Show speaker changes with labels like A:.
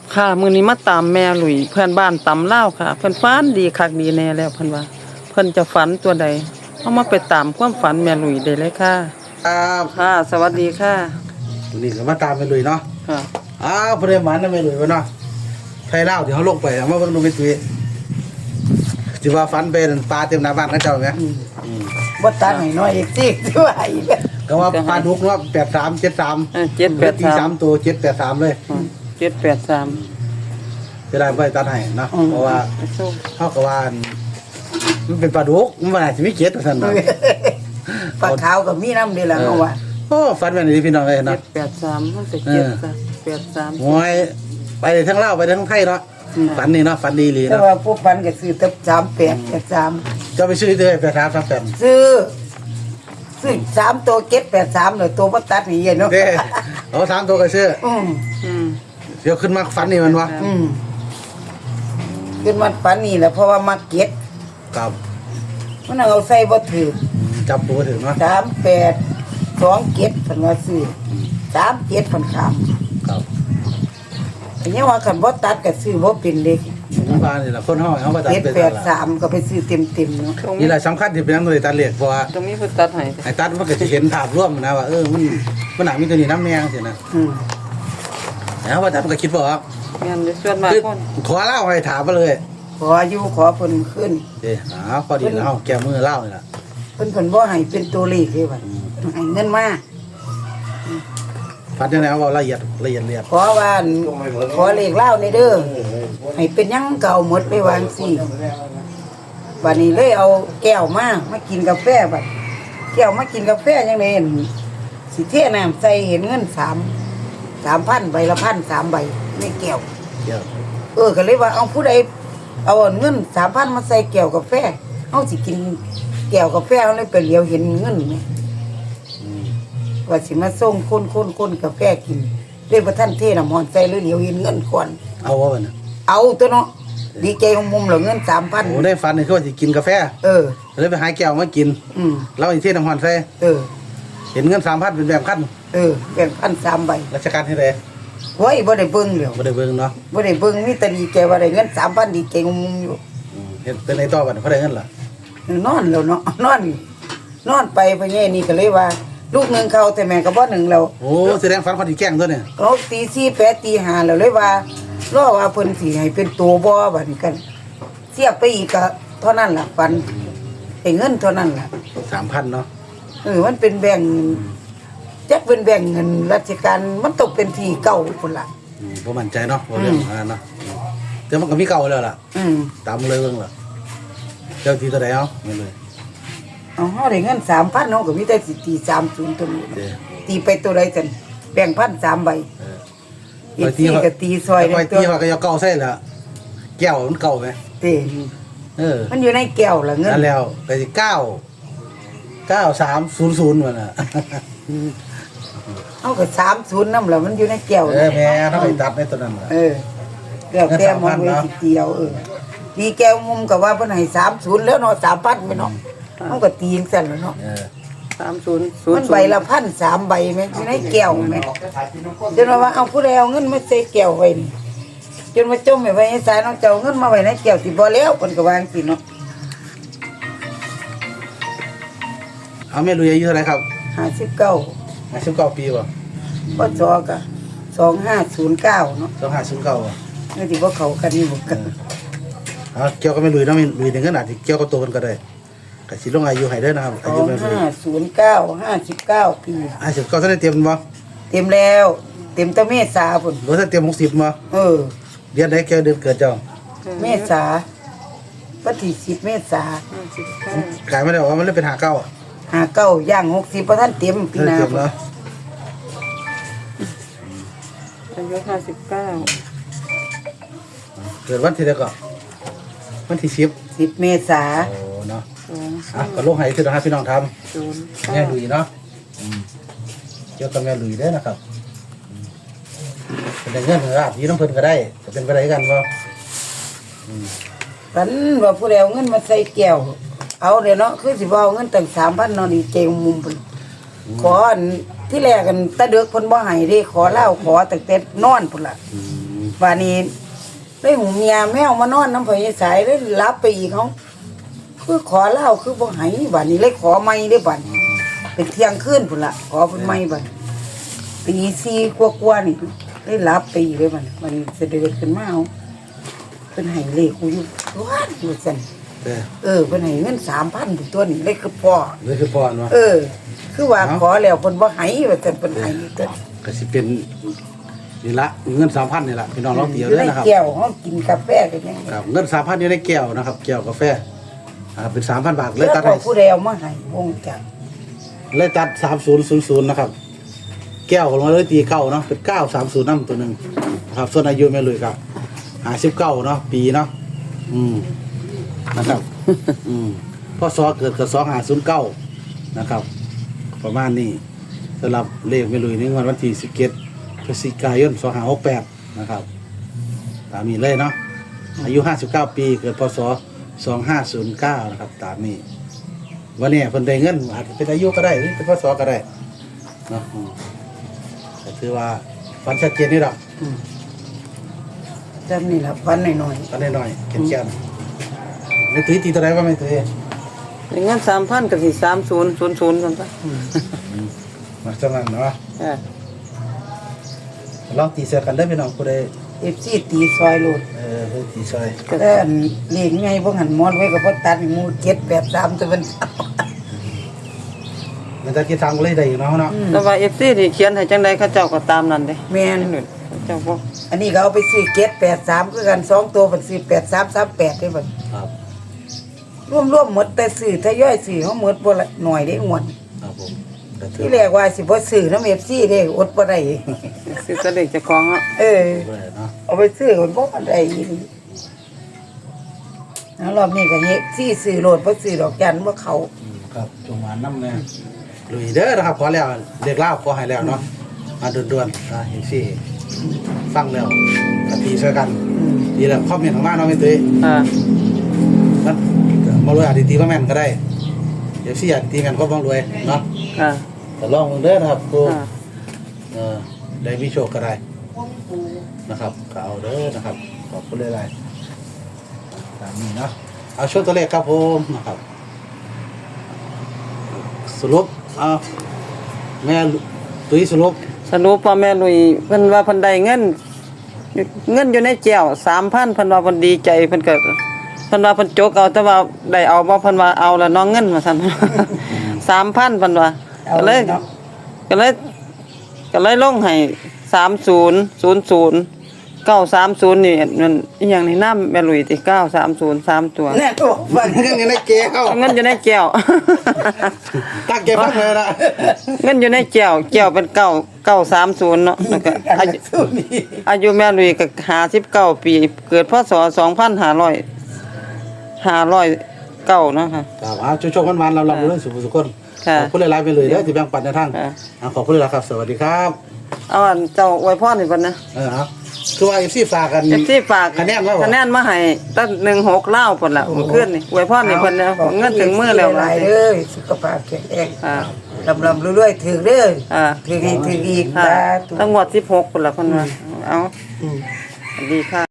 A: ค่ะมื้อนี้มาตามแม่หลุยเพื่อนบ้านตำลาวค่ะเพิ่นฝันดีคักดีแน่แล้วเพิ่นว่าเพิ่นจะฝันตัวใดเอามาไปตามความฝันแม่หลุยได้เลยค่ะ
B: ครับ
A: ค่ะสวัสดีค่ะ
B: วันนี้ก็มาตามไปลุยเนาะ
A: ค่ะ
B: พอได้หมันนะไปลุยวะเนาะไทยเล่าเดี๋ยวเขาลงไปเอามาเบิ่งดูไปตุยสิว่าฟันเป็นปลาเต็มหน้าบ้านเขาเจ้าไหม
C: บ่ตัดให้น้อยอีกสิคือว่าอีก
B: ก็ว่าปลาดุกเนาะ83 73 ตี3
A: 783
B: ตัว783เลย
A: 783
B: จะได้ไปตัดให้เนาะเพราะว่าเขาก็ว่ามันเป็นปลาดุกมันว่าสิมีเจ็ดว่าซั่นเนาะ
C: ปลาขาวก็มีน้ำเดียวละเฮาว่า
B: โอ้ฟันแม่นนี่พี่น้องเอ้ยเนาะ
A: 783มันเป็น783
B: โอ้ยไปทั้งลาวไปทั้งไทยเนาะฝันนี่เนาะฝันดีหลี
C: แต่
B: เนาะ
C: ว่าผู้ปันก็ซื้อตับ3883
B: จะไปซื้อเด้อ8338
C: ซื้อ3ตัว783เลยตัวบ่ตัดนี่เนาะ
B: เด้เอา3ตัวก็ซื้อ
C: อืม
B: เดี๋ยวขึ้นมาฝันนี่มันวะ
C: ขึ้นมาปันนี่แหละเพราะว่ามาเก็ต
B: กับ
C: มันเอาใส่บ่ถือ
B: จับตัวถึงเนาะ
C: 38 2เก็ตเพิ่นว่าซื้อ37เพิ่นขาม
B: ครับ
C: อันนี้ว่าคันบ่ตัดก็ซื้อบ่เป็นเด็ก
B: น้ำปลานี่แหละคนห้องเขาประจับเป็นอะไร
C: 783ก็ไปซื้อเต็มๆเนาะ
B: นี่แหละสำคัญที่เป็นนักดนตรีตัดเลียกเพราะว่า
A: ตรงนี้เพิ่นตัดให้
B: ไอ้ตัดมันก็จะเห็นภาพร่วมนะว่ามันหนักมีตัวนี้น้ำแมงสินะ
C: อืม
B: แล้วว่าตัดมันก็คิดว่า
A: แม่นอยู่ส่วนมาก
B: คือ
A: คน
B: ขอเล่าให้ถามมาเลย
C: ขออยู่ขอเพิ่นขึ้น
B: เดี๋ยวพอดีแล้วแกมือเล่านี่แหละ
C: เพิ่นบ่ให้เป็นตัวเลขเลยว่าให้เงินมา
B: ฟัดยังไงเอาละเอียด
C: ขอว่าขอเลขเล่าในเด้อให้เป็นหยังเก่าหมดไปวางสิบัดนี้เลยเอาแก้วมากินกาแฟบัดแก้วมากินกาแฟยังไงสิเทน้ำใส่เห็นเงิน3,000ใบละ1,000 3ใบในแก้ว
B: เดี๋ยว
C: ก็เลยว่าเอาผู้ใดเอาเงิน3,000มาใส่แก้วกาแฟเอาสิกินแก้วกาแฟเอาเลยไปเหลียวเห็นเงินไหมว่าสิมาส่งคนกาแฟกินเรียกว่าท่านเทน้ำหอนใส่เลยเหลียวเห็นเงินก่อน
B: เอาวะมัน
C: เอาตัวเนาะดีใจของมุมเหลือเงิน
B: โอ้ได้ฟันนี่คือว่าจะกินกาแฟ เลยไปหาแก้วมากินแล้วอีกที่น้ำหอนใส่เห็นเงิน3,000เป็นแบบขั้น
C: แบ่ง1,003ใบ
B: ราชการที่ไหน
C: โอ้ยบ่ได้เบิ่งแล้ว
B: บ่ได้เบิ่งเนาะ
C: บ่ได้เบิ่งมีแต่ดีใจว่าได้เงิน3,000ดีใจของมุมอยู่
B: เห็นเป็นในต่อบัดเขาได้เงินล่ะ
C: นอนแล้วเนาะนอนไปพ่อใหญ่นี่ก็เลยว่า ลูกหนึงเขาแต่แม่ก็บ่หนึ่งแล้ว
B: โอ้แสดงฟันคนที่แกล้งตัวเนี่ย
C: เขาตี4 8ตี5แล้วเลยว่ารอว่าเพิ่นสิให้เป็นตัวบ่บัดนี้กันเสียบไปอีกก็เท่านั้นล่ะปันได้เงินเท่านั้นล่ะ
B: 3,000เนาะ
C: มันเป็นแบ่งจักเป็นแบ่งเงินราชการมันตกเป็นที่เก่าพุ่นล่ะ
B: บ่มั่นใจเนาะบ่เรื่องเนาะแต่มันก็มีเก่าแล้วล่ะตามเลยเบิ่งล่ะเจ้าที่ตัวใดเอาไม่เลย
C: เอาเฮาได้เงิน 3,000 เฮาก็มีแต่สิตี30ตัวนี้ตีไปตัวใดกันแบ่ง1,003ใบอีกทีก็ตีซอย
B: ไปตีว่าก็ยาเก่าใส่ละแก้วมันเก่าไหม
C: ติมันอยู่ในแก้วล่ะเงิน
B: นั่นแล้วก็สิ9300มันน่ะ
C: เฮาก็30นำล่ะมันอยู่ในแก้ว
B: แม่ถ้าไปตัดในตัวนั้นล่ะ
C: แล้วแต่มองไว้สิตีเอาตีแก้วมุมก็ว่าเพิ่นให้30แล้วเนาะ 3,000ไปเนาะมันก็ตีจังซั่นล่ะเนาะ
A: 3000
C: มันใบละ1,003ใบแม่อยู่ในแก้วแม่จนว่าเอาผู้ใดเอาเงินมาใส่แก้วไว้นี่จนมาจมไว้ให้สายน้องเจ้าเงินมาไว้ในแก้วสิบ่แล้วเพิ่นก็วาจังซี่เนาะ
B: เอาแม่ลุยอายุเท่าไหร่ครับ
C: 59
B: 59ปีบ่
C: พศก็2509เนาะ
B: 2509บ่
C: นี่ที่บ่เข้ากันนี่บ่กัน
B: เอาเกี่ยวกับแม่ลุยเนาะแม่ลุยถึงขนาดที่เกี่ยวกับตัวเพิ่นก็ได้ก็สิลงอายุให้เด้อนะครับอายุแม่ลุย
C: 59ปี
B: 59ท่านได้เตรียมบ่
C: เต็มแล้วเต็มแต่เมษาพุ่น
B: บ่ทันเตรียม60บ่เดือนใดแกเดือนเกิดเจ้า
C: เมษาวันที่10เมษาก
B: ลายไม่ได้ว่ามันเลยเป็น59
C: 59ย่าง60บ่ทันเต็มปีหน้า
B: เตรียมเนาะ
A: อายุ59
B: เกิดวันที่ใดก็วันที่10
C: 10เมษา
B: โอ้เนาะก็ลงให้คือให้พี่น้องทำแม่ลุยเนาะเกี่ยวกับแม่ลุยเด้อนะครับเป็นเงินราบยี่น้ำเพิ่นก็ได้จะเป็นไปได้กันบ่
C: ปันว่าผู้ใดเอาเงินมาใส่แก้วเอาเด้เนาะคือสิบ่เอาเงินตั้ง 3,000 เนาะนี่เจงมุมพุ่นขออันที่แรกกันตะเดึกเพิ่นบ่ให้เด้ขอเหล้าขอตั้งแต่นอนพุ่นล่ะวันนี้ได้หูเมียแมวมานอนน้ำพอยายสายได้รับไปอีกเขาคือขอเหล้าคือบ่ให้วันนี้เลยขอไม่ได้บัดเป็นเที่ยงคืนพุ่นละขอเพิ่นไม่บัดตี4กว่าๆนี่ได้รับไปอีกเลยบัดมันเสด็จขึ้นมาเอาเพิ่นให้เลขกูอยู่ว้านอยู่ซั่น
B: เด้อ
C: เพิ่นให้เงิน 3,000พุ่นตัวนี้เลยคือพ่อ
B: นี่คือพรวะ
C: คือว่าขอแล้วเพิ่นบ่ให้ว่าซั่นเพิ่นให้ตัว
B: ก็สิเป็นนี่ละเงิน 3,000นี่ละพี่น้องลองเตียวเด้อนะครับ
C: แก้วเฮากินกาแฟกันยัง
B: ครับเงิน 3,000อยู่ในแก้วนะครับแก้วกาแฟเป็น 3,000 บาทเลยตัด
C: แล้
B: ให้
C: วผู้ใดเอามาให้วงจักร
B: เลยตัด3000นะครับ แก้วของเราเลยตีเก้าเนาะเป็น930นำตัวหนึงนะครับส่วนอายุแม่ลุยก็59เนาะปีเนาะนะครับพศเกิดกับ2509นะครับประมาณนี้สำหรับเลขแม่ลุยในวันที่17พฤศจิกายน2568นะครับตามนี้เลยเนาะอายุ59ปีเกิดพศ2509นะครับตามนี้วันนี้เพิ่นได้เงินอาจจะเป็นอายุก็ได้หรือเป็นพศก็ได้เนาะก็ถือว่าฟันชัดเจนนี่ดอก
C: จำนี่ล่ะพันหน่อย
B: ฟันหน่อยๆเขียนๆไม่ตื้อตีตัวไหนว่าไม่ตื้อ
A: เงิน 3,000ก็สิ3000ซั่นซะ
B: มาจังนั้นเนาะ
A: อ่า
B: ลองตีเสือกันได้อพี่น้องผู้ใด
C: ๆ FC ตีซอยโลด
B: เฮ้ยตีซอย
C: แต่อันเลขไงบ่หันมอนไว้ก็บ่ตัดหมู่783ตัวมัน
B: มันจะคิดทางเลยได้อยู่เนาะเนาะ
A: แต่ว่า FC ที่เขียนให้จังได๋เขาเจ้าก็ตามนั้นเด้
C: แม่น
A: เจ้าบ่
C: อันนี้ก็เอาไปซื้อ783คือกัน2ตัวเพิ่นซื้อ8338ได้บัด
B: ครับ
C: รวมๆหมดแต่ซื้อทยอยซื้อเฮาหมดบ่ละหน่อยได้งวด
B: ครับผมก็ถือ
C: ที่แรกว่าสิบ่ซื้อนำ FC เด้อดบ่ได้
A: สิแสดงเจ้าของเนาะ
B: เลยเนาะ
C: เอาไปซื้อคนบ่ได้อีหลีแล้วรอบนี้ก็เฮ็ดซื้อโลดบ่ซื้อดอกจันบ่เข้า
B: ครับจงหวานน้ำเนี่ยลุยเด้อนะครับขอแล้วเด็กเล่าขอให้แล้วเนาะมาด่วนๆเห็นสิฟังแล้วกะทีช่วยกันดีแล้วคอมเมนต์ของบ้านเนาะไม่ตื้อ
A: อ่า
B: มันมาเลยอาจจะตีว่าแม่นก็ได้เดี๋ยวสิอยากตีแม่นก็บ้องรวยเนาะ
A: อ่า
B: แต่ลองมึงเด้อนะครับกู
A: อ่า
B: ได้มีโชคก็ได้นะครับก็เอาเด้อนะครับขอบคุณหลายๆตามนี้เนาะเอาช่วงตัวเลขครับผมนะครับสรุปแม่ตุ้ยสรุป
A: สรุปว่าแม่ลุยเพิ่นว่าเพิ่นได้เงินอยู่ในแก้ว 3,000เพิ่นว่าเพิ่นดีใจเพิ่นก็เพิ่นว่าเพิ่นจกเอาแต่ว่าได้เอาบ่เพิ่นว่าเอาแล้วน้องเงินว่าซั่น 3,000เพิ่นว่าก็เลยลงให้3000 930นี่มันอีหยังนี่น้ำแม่ลุยติ930 3ตัว
C: แน่ตัวฟัง
B: เงินอยู่ในแก้ว
A: เงินอยู่ในแก้ว
B: ตั้งแก้วฟังเลยนะ
A: เงินอยู่ในแก้วเป็น930เนาะแล้วก็อายุแม่ลุยก็59ปีเกิดพศ2509เนาะค่ะ
B: ครับโชคๆมันๆเราเรื่องสุขสุขคน
A: ค่ะ
B: ขอบคุณหลายๆไปเลยที่แบ่งปันในทาง
A: ค่ะ
B: ขอบคุณหลายๆครับสวัสดีครับ
A: เอาอันเจ้าอวยพรให้เพิ่นนะ
B: ครับคือว่า FC ฝากกัน
A: ที่ฝาก
B: คะแนนว่าบ่
A: คะแนนมาให้ตั้ง16ลาวพุ่นล่ะเมื่อคืนนี่อวยพรให้เพิ่นนะเงินถึงมือแล้ว
C: หลายเด้อสุขภาพแข็งแรง
A: อ่า
C: ลำๆรวยๆถือเด้อ
A: อ่า
C: ถือให้ถืออีก
A: ค่ะ
C: สาธุ
A: ตั้งงวด16พุ่นล่ะเพิ่นว่าเอาสวัสดีค่ะ